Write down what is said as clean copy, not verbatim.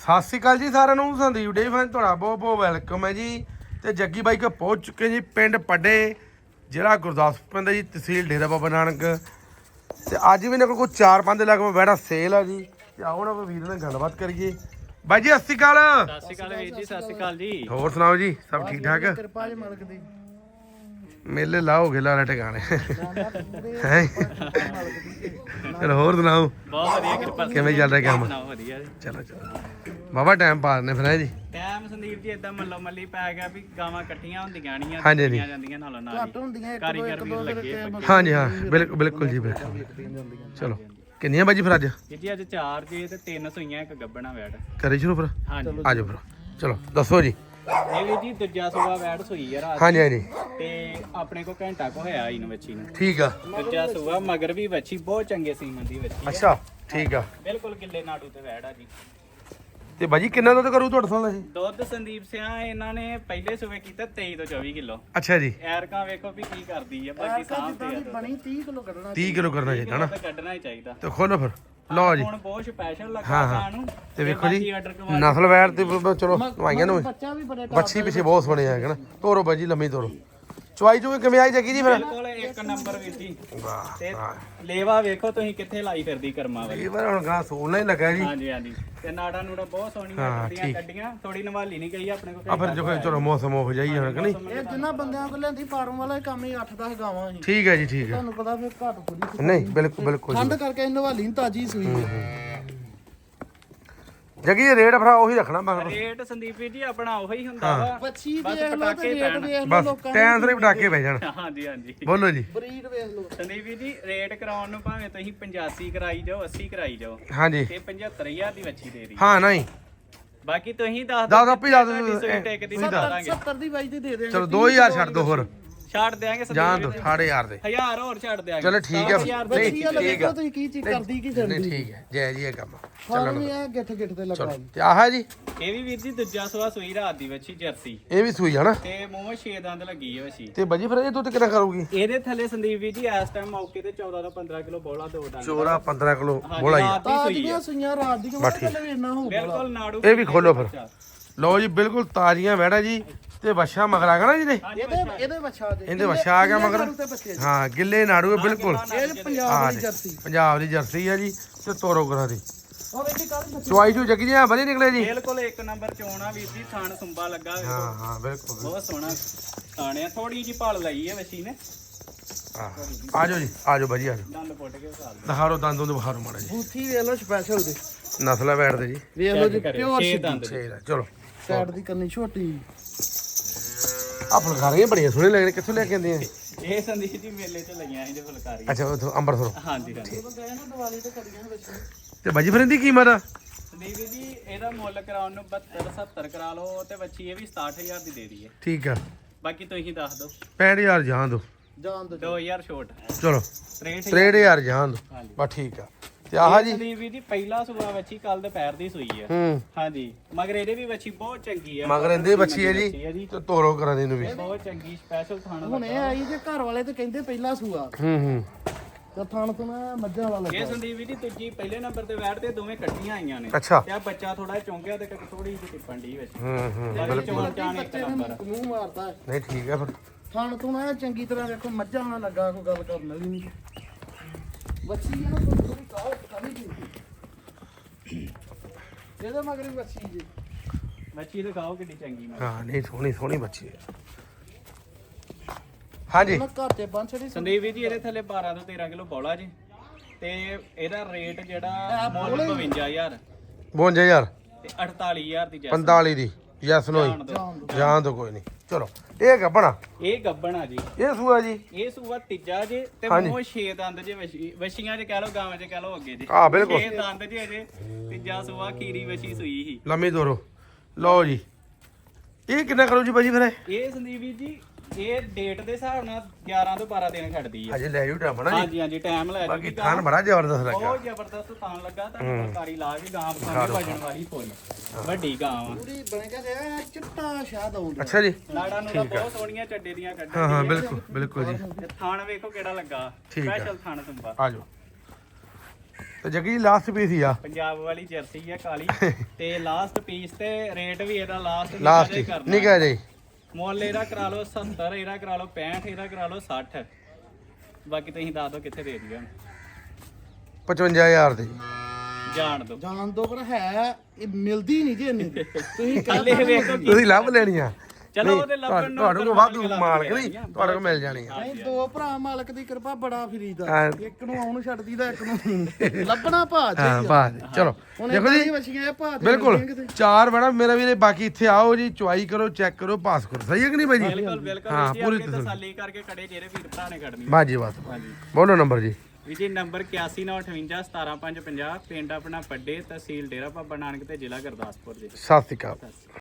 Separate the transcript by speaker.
Speaker 1: ਸਤਿ ਸ਼੍ਰੀ ਅਕਾਲ ਜੀ ਸਾਰਿਆਂ ਨੂੰ। ਸੰਦੀਪ ਡੇਅਰੀ ਫਾਰਮ ਤੁਹਾਡਾ ਬਹੁਤ ਬਹੁਤ ਵੈਲਕਮ ਹੈ ਜੀ। ਤੇ ਜੱਗੀ ਬਾਈ ਕੋ ਪਹੁੰਚ ਚੁੱਕੇ ਜੀ ਪਿੰਡ ਪੱਡੇ, ਜ਼ਿਲ੍ਹਾ ਗੁਰਦਾਸਪੁਰ ਪੈਂਦਾ ਜੀ, ਤਹਿਸੀਲ ਡੇਰਾ ਬਾਬਾ ਨਾਨਕ। ਤੇ ਅੱਜ ਵੀ ਇਹਨਾਂ ਕੋਲ 4-5 ਲੱਖ ਬੈਠਾ ਸੇਲ ਆ ਜੀ। ਤੇ ਆਓ ਨਾ ਵੀਰ ਨਾਲ ਗੱਲਬਾਤ ਕਰੀਏ। ਬਾਈ ਜੀ ਸਤਿ ਸ਼੍ਰੀ ਅਕਾਲ।
Speaker 2: ਸਤਿ ਸ਼੍ਰੀ ਅਕਾਲ ਵੀਰ ਜੀ, ਸਤਿ ਸ਼੍ਰੀ ਅਕਾਲ ਜੀ।
Speaker 1: ਹੋਰ ਸੁਣਾਓ ਜੀ, ਸਭ ਠੀਕ ਠਾਕ?
Speaker 3: ਕਿਰਪਾ ਜੀ ਮਾਲਕ ਦੀ।
Speaker 1: ਮੇਲੇ ਲਾਓਗੇ ਲਾਲਾ ਟਿਕਾਣੇ ਹੈ। ਚਲੋ ਹੋਰ ਸੁਣਾਓ,
Speaker 2: ਬਹੁਤ ਵਧੀਆ ਕਿਰਪਾ
Speaker 1: ਕਿਵੇਂ ਚੱਲ ਰਿਹਾ ਕੰਮ?
Speaker 2: ਵਧੀਆ ਜੀ।
Speaker 1: ਚਲੋ ਬਾਬਾ ਟਾਈਮ ਪਾ ਦਿੰਦੇ ਫਿਰ ਹੈ ਜੀ।
Speaker 2: ਟਾਈਮ ਸੰਦੀਪ ਜੀ ਇਦਾਂ ਮੱਲੋ ਮੱਲੀ ਪੈ ਗਿਆ ਵੀ ਗਾਵਾਂ ਇਕੱਠੀਆਂ ਹੁੰਦੀਆਂ ਨਹੀਂ
Speaker 1: ਹਾਂਜੀ, ਹਾਂਜੀ।
Speaker 2: ਜਾਂਦੀਆਂ ਨਾਲੋਂ ਨਾਲ
Speaker 3: ਘੱਟ ਹੁੰਦੀਆਂ ਇੱਕ ਦੋ
Speaker 2: ਕਾਰੀਗਰ
Speaker 3: ਇੱਕ
Speaker 2: ਵੀ
Speaker 3: ਦੋ
Speaker 2: ਲੱਗੇ
Speaker 1: ਹਾਂਜੀ ਹਾਂ, ਬਿਲਕੁਲ ਬਿਲਕੁਲ ਜੀ, ਬਿਲਕੁਲ। ਚਲੋ ਕਿੰਨੀਆਂ ਬਾਜੀ ਫਿਰ ਅੱਜ?
Speaker 2: ਜੀ ਅੱਜ 4 ਜੀ ਤੇ 3 ਸੂਈਆਂ ਇੱਕ ਗੱਬਣਾ ਵੈੜ।
Speaker 1: ਕਰੀ ਸ਼ੁਰੂ ਫਿਰ,
Speaker 2: ਹਾਂਜੀ
Speaker 1: ਆ ਜਾਓ ਫਿਰ। ਚਲੋ ਦੱਸੋ ਜੀ।
Speaker 2: ਇਹ ਵੀ ਜੀ ਦੂਜਾ ਸੂਆ ਵੈੜ ਸੂਈ ਆ ਰਾਤ
Speaker 1: ਹਾਂਜੀ ਹਾਂਜੀ
Speaker 2: ਤੇ ਆਪਣੇ ਕੋ ਘੰਟਾ ਕੋ ਹੋਇਆ ਇਹਨੂੰ ਵੱਛੀ ਨੂੰ।
Speaker 1: ਠੀਕ ਆ।
Speaker 2: ਦੂਜਾ ਸੂਆ ਮਗਰ ਵੀ ਵੱਛੀ ਬਹੁਤ ਚੰਗੇ ਸੀਮਨ ਦੀ ਵੱਛੀ।
Speaker 1: ਅੱਛਾ ਠੀਕ ਆ।
Speaker 2: ਬਿਲਕੁਲ ਗਿੱਲੇ ਨਾੜੂ ਤੇ ਵੈੜ ਆ ਜੀ।
Speaker 1: ਤੇ ਬਾਜੀ ਕਿੰਨਾ ਦੁੱਧ ਕਰੂ ਤੁਹਾਡੇ ਸਾਲ ਇਹ?
Speaker 2: ਦੁੱਧ ਸੰਦੀਪ ਸਿਆ ਇਹਨਾਂ ਨੇ ਪਹਿਲੇ ਸੂਏ ਕੀਤਾ 23 ਤੋਂ 24 ਕਿਲੋ।
Speaker 1: ਅੱਛਾ ਜੀ।
Speaker 2: ਐਰਕਾਂ ਵੇਖੋ ਵੀ ਕੀ ਕਰਦੀ ਆ, ਬਾਕੀ ਸਾਹਮਣੇ
Speaker 3: ਬਣੀ 30 ਕਿਲੋ ਕੱਢਣਾ।
Speaker 1: 30 ਕਿਲੋ ਕਰਨਾ ਚਾਹੀਦਾ ਨਾ।
Speaker 2: ਕੱਢਣਾ ਹੀ ਚਾਹੀਦਾ।
Speaker 1: ਤੇ ਖੋਲੋ ਫਿਰ, ਲਓ ਜੀ।
Speaker 2: ਹੁਣ ਬਹੁਤ ਸਪੈਸ਼ਲ ਲੱਗਾ
Speaker 1: ਹਾਂ, ਹਾਂ।
Speaker 2: ਸਾਨੂੰ।
Speaker 1: ਤੇ ਵੇਖੋ ਜੀ ਨਸਲ ਵੈਰ ਤੇ ਚਲੋ ਨਵਾਈਆਂ ਨੂੰ
Speaker 3: ਬੱਚਾ ਵੀ ਬੜੇ
Speaker 1: ਬੱਚੀ ਪਿੱਛੇ ਬਹੁਤ ਸੋਹਣੇ ਆ ਨਾ। ਤੋਰੋ ਬਾਜੀ ਲੰਮੀ ਤੋਰੋ। ਚੁਆਈ ਚੁਈ ਕਿਵੇਂ ਆਈ ਜੱਗੀ ਜੀ ਫਿਰ?
Speaker 2: ਬਿਲਕੁਲ ਇੱਕ ਨੰਬਰ ਵੀਰ ਜੀ।
Speaker 1: ਵਾਹ
Speaker 2: ਤੇ ਲੇਵਾ ਵੇਖੋ ਤੁਸੀਂ ਕਿੱਥੇ ਲਾਈ ਫਿਰਦੀ ਕਰਮਾਂ ਵਾਲੀ।
Speaker 1: ਇਹ ਵਾਰ ਹੁਣ ਗਾਂ ਸੋਲਣਾ ਹੀ ਲੱਗਾ ਜੀ।
Speaker 2: ਹਾਂਜੀ ਹਾਂਜੀ। ਤੇ ਨਾੜਾ ਨੂੜਾ ਬਹੁਤ ਸੋਹਣੀਆਂ ਕੱਢੀਆਂ। ਥੋੜੀ ਨਵਾਲੀ ਨਹੀਂ ਗਈ ਆਪਣੇ ਕੋਲ।
Speaker 1: ਆ ਫਿਰ ਜੋ ਚਲੋ ਮੌਸਮ ਹੋ ਜਾਈ ਹੁਣ ਕਿ ਨਹੀਂ?
Speaker 3: ਇਹ ਜਿੰਨਾ ਬੰਦਿਆਂ ਕੋਲ ਲੈਂਦੀ ਫਾਰਮ ਵਾਲਾ ਕੰਮ ਹੀ 8-10 ਗਾਵਾਂ ਸੀ।
Speaker 1: ਠੀਕ ਹੈ ਜੀ, ਠੀਕ ਹੈ।
Speaker 3: ਤੁਹਾਨੂੰ ਪਤਾ ਫਿਰ ਘੱਟ ਥੋੜੀ
Speaker 1: ਨਹੀਂ ਬਿਲਕੁਲ ਬਿਲਕੁਲ
Speaker 3: ਠੰਡ ਕਰਕੇ ਨਵਾਲੀ ਤਾਜੀ ਸੂਈ।
Speaker 1: ਜੱਗੀ ਇਹ ਰੇਟ ਫਿਰ ਉਹੀ ਰੱਖਣਾ ਬਸ।
Speaker 2: ਰੇਟ ਸੰਦੀਪ ਜੀ ਆਪਣਾ ਉਹੀ ਹੁੰਦਾ ਵਾ।
Speaker 3: ਬੱਚੀ
Speaker 2: ਬਸ
Speaker 3: ਦੇਖ ਲਓ ਤੇ
Speaker 2: ਪਟਾਕੇ
Speaker 3: ਰੇਟ
Speaker 2: ਪੈਣ।
Speaker 3: ਵੇਖ ਲਓ
Speaker 1: ਬਸ
Speaker 3: ਲੋਕਾਂ
Speaker 1: ਟਾਈਮ ਸਿਰ ਪਟਾਕੇ ਪੈ ਜਾਣ।
Speaker 2: ਹਾਂਜੀ ਹਾਂਜੀ।
Speaker 1: ਬੋਲੋ ਜੀ।
Speaker 3: ਬਰੀਡ ਵੇਖ ਲਓ।
Speaker 2: ਸੰਦੀਪ ਜੀ ਰੇਟ ਕਰਾਉਣ ਨੂੰ ਭਾਵੇਂ ਤੁਸੀਂ 85 ਕਰਾਈ ਜਾਓ, 80 ਕਰਾਈ ਜਾਓ,
Speaker 1: ਹਾਂਜੀ
Speaker 2: ਤੇ 75000 ਦੀ ਵੱਛੀ ਦੇ ਰਹੀ।
Speaker 1: ਹਾਂ ਨਹੀਂ
Speaker 2: ਬਾਕੀ ਤੁਸੀਂ ਦੱਸ
Speaker 1: ਦੱਸ ਆਪੀ ਦੱਸ ਦਿਓ।
Speaker 2: ਤੁਹਾਡੀ ਸੂਈ ਟਿਕ ਦੀ ਦੱਸ ਦਾਂਗੇ।
Speaker 3: 70 ਦੀ ਬਾਈ ਦੀ ਦੇ ਦੇਣਗੇ।
Speaker 1: ਚਲੋ 2000 ਛੱਡ ਦੋ ਹੋਰ,
Speaker 2: ਛੱਡ ਦਿਆਂਗੇ
Speaker 1: ਜਾਣ ਦੋ 8500 ਦੇ।
Speaker 2: 1000 ਹੋਰ ਛੱਡ ਦਿਆਂਗੇ।
Speaker 1: ਚਲੋ ਠੀਕ ਹੈ।
Speaker 2: ਨਹੀਂ
Speaker 3: ਬੱਚੀ ਵਾਲਾ
Speaker 1: ਠੀਕ
Speaker 3: ਵੇਖੋ
Speaker 1: ਆ।
Speaker 3: ਤੁਸੀਂ ਕੀ ਚੀਜ਼ ਕਰਦੀ ਕੀ
Speaker 1: ਨਹੀਂ
Speaker 3: ਫਿਰਦੀ।
Speaker 1: ਠੀਕ ਹੈ, ਜੈ ਜੀ ਇਹ ਕੰਮ
Speaker 3: ਫਾਰਮ ਵੀ ਆ ਗਿੱਠ ਗਿੱਠ ਤੇ ਲੱਗਾ ਜੀ।
Speaker 1: ਤੇ ਆਹ ਜੀ
Speaker 2: ਇਹ ਵੀ ਵੀਰ ਜੀ ਦੂਜਾ ਸਵਾ ਸੂਈ ਰਾਤ ਦੀ ਵੱਛੀ ਜਰਸੀ
Speaker 1: ਇਹ ਵੀ ਸੂਈ ਆ ਨਾ।
Speaker 2: ਤੇ ਮੂੰਹ 6 ਦੰਦ ਲੱਗੀ ਹੈ ਵੱਛੀ।
Speaker 1: ਤੇ ਬਾਜੀ ਫਿਰ ਇਹ ਦੁੱਧ ਕਿੰਨਾ ਕਰੂਗੀ?
Speaker 2: ਇਹਦੇ ਥੱਲੇ ਸੰਦੀਪ ਵੀਰ ਜੀ ਇਸ ਟਾਈਮ ਮੌਕੇ ਤੇ 14 ਤੋਂ 15 ਕਿਲੋ ਬੋਲਾ ਦੋ ਡੰਗ।
Speaker 1: ਚੋਰਾ 15 ਕਿਲੋ ਬੋਲਾ ਹੀ ਆ।
Speaker 2: ਰਾਤ ਦੀ
Speaker 3: ਤਾਜ
Speaker 2: ਸੂਈ
Speaker 3: ਦੀਆਂ
Speaker 2: ਹੈ।
Speaker 3: ਸੂਈਆਂ ਰਾਤ ਦੀਆਂ ਪਹਿਲੇ ਵੀ ਇੰਨਾ ਹੋਊਗਾ।
Speaker 2: ਬਿਲਕੁਲ ਨਾੜੂ
Speaker 1: ਇਹ ਵੀ ਖੋਲੋ ਫਿਰ। ਲਓ ਜੀ ਬਿਲਕੁਲ ਤਾਜ਼ੀਆਂ ਵੈੜਾ ਜੀ। ਤੇ ਵੱਛਾ ਮਗਰ ਆ ਗਿਆ ਨਾ ਜੀ ਨੇ।
Speaker 3: ਇਹਦੇ ਬੱਚਾ ਦੇ
Speaker 1: ਇਹਦੇ ਵੱਛਾ ਆ ਗਿਆ ਮਗਰ।
Speaker 3: ਤੇ ਬੱਚੇ
Speaker 1: ਹਾਂ ਗਿੱਲੇ ਨਾੜੂ ਹੈ ਬਿਲਕੁਲ।
Speaker 3: ਇਹ ਪੰਜਾਬ ਦੀ ਜਰਸੀ।
Speaker 1: ਪੰਜਾਬ ਦੀ ਜਰਸੀ ਆ ਜੀ। ਤੇ ਤੋਰੋ ਕਰਾ ਦੀ
Speaker 3: ਉਹ ਵੇਖੀ ਕੱਲ ਬੱਚੇ
Speaker 1: ਚੁਆਈ ਚੂ ਜੱਗੀ ਜੀ ਵਧੀਆ ਨਿਕਲੇ ਜੀ।
Speaker 2: ਬਿਲਕੁਲ ਇੱਕ ਨੰਬਰ ਚੋਣਾ ਵੀਰ ਜੀ। ਥਾਣ ਸੁੰਬਾ ਲੱਗਾ ਵੇਖੋ।
Speaker 1: ਹਾਂ ਹਾਂ ਬਿਲਕੁਲ।
Speaker 2: ਬਹੁਤ ਸੋਹਣਾ ਥਾਣਿਆ। ਥੋੜੀ ਜੀ ਭਾਲ ਲਈ ਹੈ ਵੱਛੀ ਨੇ।
Speaker 1: ਆ ਜਾਓ ਜੀ, ਆ ਜਾਓ ਬਾਜੀ, ਆ ਜਾਓ।
Speaker 2: ਦੰਦ ਪੁੱਟ ਕੇ ਵਿਖਾ ਲਓ।
Speaker 1: ਦਿਖਾਰੋ ਦੰਦੋਂ ਦੇ ਬੁਖਾਰੋ ਮਾੜਾ ਜੀ।
Speaker 3: ਬੂਥੀ ਵੇਖ ਲਓ ਸਪੈਸ਼ਲ ਦੇ।
Speaker 1: ਨਸਲਾ ਬੈਠਦੇ ਜੀ।
Speaker 3: ਵੇਖ ਲਓ ਜੀ
Speaker 2: ਕਰਿਓ,
Speaker 3: ਪਿਓਰ
Speaker 2: ਛੇ
Speaker 3: ਸਿੱਧੀ।
Speaker 2: ਦੰਦ
Speaker 1: ਠੀਕ ਹੈ ਚਲੋ।
Speaker 3: ਸਾਈਡ ਦੀ ਕੰਨੀ ਛੋਟੀ।
Speaker 1: ਆ ਫੁਲਕਾਰੀਆਂ ਬੜੀਆਂ ਸੋਹਣੀਆਂ ਲੱਗਦੀਆਂ, ਕਿੱਥੋਂ ਲੈ ਕੇ ਆਂਦੀਆਂ?
Speaker 2: ਇਹ ਸੰਦੀਪ ਜੀ ਮੇਲੇ 'ਚ ਲੱਗੀਆਂ ਇਹਦੇ ਫੁਲਕਾਰੀ।
Speaker 1: ਅੱਛਾ ਉਥੋਂ ਅੰਮ੍ਰਿਤਸਰੋਂ।
Speaker 2: ਹਾਂਜੀ ਹਾਂਜੀ।
Speaker 3: ਦੀਵਾਲੀ ਤੇ ਕਰੀਆਂ ਵਿੱਚ।
Speaker 1: ਤੇ ਬਾਜੀ ਫਿਰ ਇਹਦੀ ਕੀਮਤ ਆ?
Speaker 2: ਸੰਦੀਪ ਜੀ ਇਹਦਾ ਮੁੱਲ ਕਰਾਉਣ ਨੂੰ 72 70 ਕਰਾ ਲਓ ਤੇ ਬੱਚੀ ਇਹ ਵੀ 67000 ਦੀ ਦੇ ਦਈਏ।
Speaker 1: ਠੀਕ ਆ।
Speaker 2: ਬਾਕੀ ਤੁਸੀਂ ਦੱਸ ਦਿਓ।
Speaker 1: 65000 ਜਾਣ ਦੋ।
Speaker 3: ਜਾਨ ਦੋ
Speaker 2: 2000 ਛੋਟ।
Speaker 1: ਚਲੋ
Speaker 2: 63000।
Speaker 1: 63000 ਜਾਣ ਦੋ।
Speaker 2: ਹਾਂਜੀ।
Speaker 1: ਬਸ ਠੀਕ ਆ। ਤੇ ਆਹ ਜੀ
Speaker 2: ਸੰਦੀਪ ਜੀ ਪਹਿਲਾ ਸੂਆ ਬੱਚੀ ਕੱਲ ਦੁਪਹਿਰ ਦੀ ਸੂਈ ਹੈ।
Speaker 1: ਹੂੰ
Speaker 2: ਹਾਂਜੀ। ਮਗਰ ਇਹਦੇ ਵੀ ਬੱਚੀ ਬਹੁਤ ਚੰਗੀ ਹੈ।
Speaker 1: ਮਗਰ ਇਹਦੇ ਬੱਚੀ ਹੈ ਜੀ। ਤੇ ਤੋਰੋ ਕਰਾ ਦੇ ਨੂੰ ਵੀ।
Speaker 2: ਬਹੁਤ ਚੰਗੀ ਸਪੈਸ਼ਲ ਥਾਣਾ
Speaker 3: ਹੁਣ ਇਹ ਆਈ ਜੇ ਘਰ ਵਾਲੇ ਤੇ ਕਹਿੰਦੇ ਪਹਿਲਾ ਸੂਆ।
Speaker 1: ਹੂੰ
Speaker 3: ਤੇ ਥਣ ਤੋਂ ਨਾ ਮੱਝਾਂ ਵਾਲਾ
Speaker 2: ਇਹ
Speaker 3: ਲੱਗਾ।
Speaker 2: ਸੰਦੀਪ ਜੀ ਦੂਜੀ ਪਹਿਲੇ ਨੰਬਰ ਤੇ ਬੈਠਦੇ ਦੋਵੇਂ ਇਕੱਠੀਆਂ ਆਈਆਂ ਨੇ।
Speaker 1: ਅੱਛਾ।
Speaker 2: ਤੇ ਆ ਬੱਚਾ ਥੋੜਾ ਚੌਂਕਿਆ ਤੇ ਥੋੜੀ ਜਿਹੀ ਟਿੱਪਣ ਦੀ ਵਿੱਚ।
Speaker 1: ਹੂੰ
Speaker 2: ਬਾਕੀ ਚੋਣ ਚਾਣ ਇੱਕ ਨੰਬਰ।
Speaker 3: ਮੂੰਹ ਮਾਰਦਾ ਹੈ।
Speaker 1: ਨਹੀਂ ਠੀਕ ਆ ਫਿਰ।
Speaker 3: ਥਣ ਤੋਂ ਨਾ ਚੰਗੀ ਤਰ੍ਹਾਂ ਵੇਖੋ ਮੱਝਾਂ ਨਾਲ ਲੱਗਾ ਕੋਈ ਗੱਲ ਕਰਨ ਵਾਲੀ ਨਹੀਂ। ਬੱਚੀ ਇਹਨੂੰ ਥੋੜੀ ਕਾਹ ਕਰੀ ਜੀ। ਇਹਦੇ ਮਗਰ ਵੀ ਬੱਚੀ ਜੀ।
Speaker 2: ਬੱਚੀ ਦਿਖਾਓ ਕਿੰਨੀ ਚੰਗੀ ਮੈਂ।
Speaker 1: ਹਾਂ ਨਹੀਂ ਸੋਹਣੀ ਸੋਹਣੀ ਬੱਚੀ ਹੈ। ਹਾਂਜੀ
Speaker 3: ਮੈਂ ਘਰ ਤੇ ਬੰਨ ਛੜੀ।
Speaker 2: ਸੰਦੀਪ ਜੀ ਇਹਦੇ ਥੱਲੇ 12 ਤੋਂ 13 ਕਿਲੋ ਬੋਲਾ ਜੀ। ਤੇ ਇਹਦਾ ਰੇਟ ਜਿਹੜਾ ਮੁੱਲ 52000
Speaker 1: 52000
Speaker 2: ਤੇ 48000 ਦੀ ਜੈਸ
Speaker 1: 45 ਦੀ ਯੈਸ ਨੋ ਜਾਣ ਦੋ ਕੋਈ ਨਹੀਂ। ਚਲੋ ਇਹ ਗੱਬਣਾ
Speaker 2: ਇਹ ਗੱਬਣ ਆ ਜੀ।
Speaker 1: ਇਹ ਸੂਆ ਜੀ।
Speaker 2: ਇਹ ਸੂਆ ਤੀਜਾ ਜੇ ਤੇ ਮੂੰਹ 6 ਦੰਦ ਜੇ ਵਛੀਆਂ 'ਚ ਕਹਿ ਲਓ, ਗਾਵਾਂ 'ਚ ਕਹਿ ਲਓ ਅੱਗੇ ਜੇ।
Speaker 1: ਹਾਂ ਬਿਲਕੁਲ
Speaker 2: 6 ਦੰਦ ਜੇ ਅਜੇ। ਤੀਜਾ ਸੂਆ ਖੀਰੀ ਵਛੀ ਸੂਈ ਸੀ।
Speaker 1: ਲੰਮੀ ਤੋਰੋ। ਲਓ ਜੀ ਇਹ ਕਿੰਨਾ ਕਰੋ ਜੀ ਬਾਜੀ ਫਿਰ?
Speaker 2: ਇਹ ਸੰਦੀਪ ਜੀ ਇਹ ਡੇਟ ਦੇ ਹਿਸਾਬ ਨਾਲ 11 ਤੋਂ 12 ਦਿਨ ਖੜਦੀ ਹੈ।
Speaker 1: ਅਜੇ ਲੈ ਜੂ ਟਾਈਮ ਨਾ ਜੀ।
Speaker 2: ਹਾਂਜੀ ਹਾਂਜੀ ਟਾਈਮ ਲੈ
Speaker 1: ਬਾਕੀ
Speaker 2: ਜੂਗੀ।
Speaker 1: ਥਾਨ ਬੜਾ ਜ਼ਬਰਦਸਤ ਲੱਗਾ।
Speaker 2: ਬਹੁਤ ਜ਼ਬਰਦਸਤ ਥਾਨ ਲੱਗਾ। ਤੁਹਾਨੂੰ ਫੁਲਕਾਰੀ ਲਾ ਕੇ ਗਾਂ ਪਸਾਂਦੀ ਵਜਣ ਵਾਲੀ ਫੁੱਲ ਵੱਡੀ ਗਾਂ ਆ।
Speaker 3: ਪੂਰੀ ਬਣ ਕੇ ਤੇ ਚਿੱਟਾ ਸ਼ਾਦ ਆਉਂਦਾ।
Speaker 1: ਅੱਛਾ ਜੀ।
Speaker 2: ਨਾੜਾਂ ਨੂੰ ਤਾਂ ਬਹੁਤ ਸੋਹਣੀਆਂ ਚੱਡੇ ਦੀਆਂ ਕੱਢੀਆਂ।
Speaker 1: ਹਾਂ ਹਾਂ ਬਿਲਕੁਲ ਬਿਲਕੁਲ ਜੀ।
Speaker 2: ਤੇ ਥਾਣ ਵੇਖੋ ਕਿਹੜਾ ਲੱਗਾ।
Speaker 1: ਠੀਕ ਆ।
Speaker 2: ਸਪੈਸ਼ਲ ਥਾਣ ਤੁੰਬਾ।
Speaker 1: ਆ ਜਾਓ ਤੇ ਜੱਗੀ ਲਾਸਟ ਪੀਸ ਹੀ ਆ
Speaker 2: ਪੰਜਾਬ ਵਾਲੀ ਜਰਸੀ ਆ ਕਾਲੀ ਤੇ ਲਾਸਟ ਪੀਸ ਤੇ ਰੇਟ ਵੀ ਇਹਦਾ ਲਾਸਟ
Speaker 1: ਲਾਸਟ ਨਹੀਂ ਕਹਿ ਜੀ
Speaker 2: ਮੁੱਲ ਇਹਦਾ ਕਰਾ ਲਓ 70, ਇਹਦਾ ਕਰਾ ਲਓ 65, ਇਹਦਾ ਕਰਾ ਲਓ 60। ਬਾਕੀ ਤੁਸੀਂ ਦੱਸ ਦਿਓ ਕਿੱਥੇ ਦੇ ਦਈਏ
Speaker 1: 55000 ਦੀ
Speaker 2: ਜਾਣ ਦਿਓ।
Speaker 3: ਜਾਣ ਦੋ ਪਰ ਹੈ ਇਹ ਮਿਲਦੀ ਨਹੀਂ ਜੀ ਇੰਨੀ ਦੀ। ਤੁਸੀਂ
Speaker 2: ਹਲੇ ਵੇਖੋ ਕੀ
Speaker 1: ਤੁਸੀਂ ਲੱਭ ਲੈਣੀ ਆ
Speaker 2: ਚਲੋ ਉਹਦੇ ਲੱਭਣ ਨੂੰ
Speaker 1: ਤੁਹਾਡੇ ਕੋਲ ਵਾਧੂ ਮਾਲਕ ਨਹੀਂ ਤੁਹਾਡੇ ਕੋਲ ਮਿਲ ਜਾਣੀ ਆ
Speaker 3: ਨਹੀਂ ਦੋ ਭਰਾ ਮਾਲਕ ਦੀ ਕਿਰਪਾ ਬੜਾ ਫਰੀਦਾ
Speaker 1: ਹਾਂ।
Speaker 3: ਇੱਕ ਨੂੰ ਆਉਣ ਛੱਡਦੀ ਦਾ ਇੱਕ ਨੂੰ ਲੱਭਣਾ ਭਾ
Speaker 1: ਹਾਂ
Speaker 3: ਚਾਹੀਦਾ
Speaker 1: ਬਾਤ ਚਲੋ
Speaker 3: ਹੁਣ
Speaker 1: ਦੇਖੋ ਜੀ
Speaker 3: ਵਛੀਆਂ ਇਹ ਭਾ ਤੇ
Speaker 1: ਬਿਲਕੁਲ
Speaker 3: ਮਿਲਦੀਆਂ ਕਿਤੇ।
Speaker 1: 4 ਮੈਡਮ ਮੇਰਾ ਵੀਰੇ ਬਾਕੀ ਇੱਥੇ ਆਓ ਜੀ ਚੁਆਈ ਕਰੋ ਚੈੱਕ ਕਰੋ ਪਾਸ ਕਰੋ ਸਹੀ ਹੈ ਕਿ ਨਹੀਂ ਭਾਈ ਜੀ
Speaker 2: ਬਿਲਕੁਲ ਬਿਲਕੁਲ
Speaker 1: ਹਾਂ,
Speaker 2: ਜੀ
Speaker 1: ਪੂਰੀ
Speaker 2: ਅੱਗੇ ਤਸੱਲੀ ਕਰਕੇ ਕੜੇ ਜਿਹੜੇ ਵੀਰ ਭਰਾ ਨੇ ਕੱਢਣੀ
Speaker 1: ਬਾਜੀ ਬਾਤ
Speaker 2: ਹਾਂਜੀ
Speaker 1: ਬੋਲੋ ਨੰਬਰ ਜੀ
Speaker 2: ਵੀ ਜੀ ਨੰਬਰ 8198 17550 ਪਿੰਡ ਆਪਣਾ ਪੱਡੇ ਤਹਿਸੀਲ ਡੇਰਾ ਬਾਬਾ ਨਾਨਕ ਤੇ ਜ਼ਿਲ੍ਹਾ ਗੁਰਦਾਸਪੁਰ ਜੀ।
Speaker 1: ਸਤਿ ਸ਼੍ਰੀ ਅਕਾਲ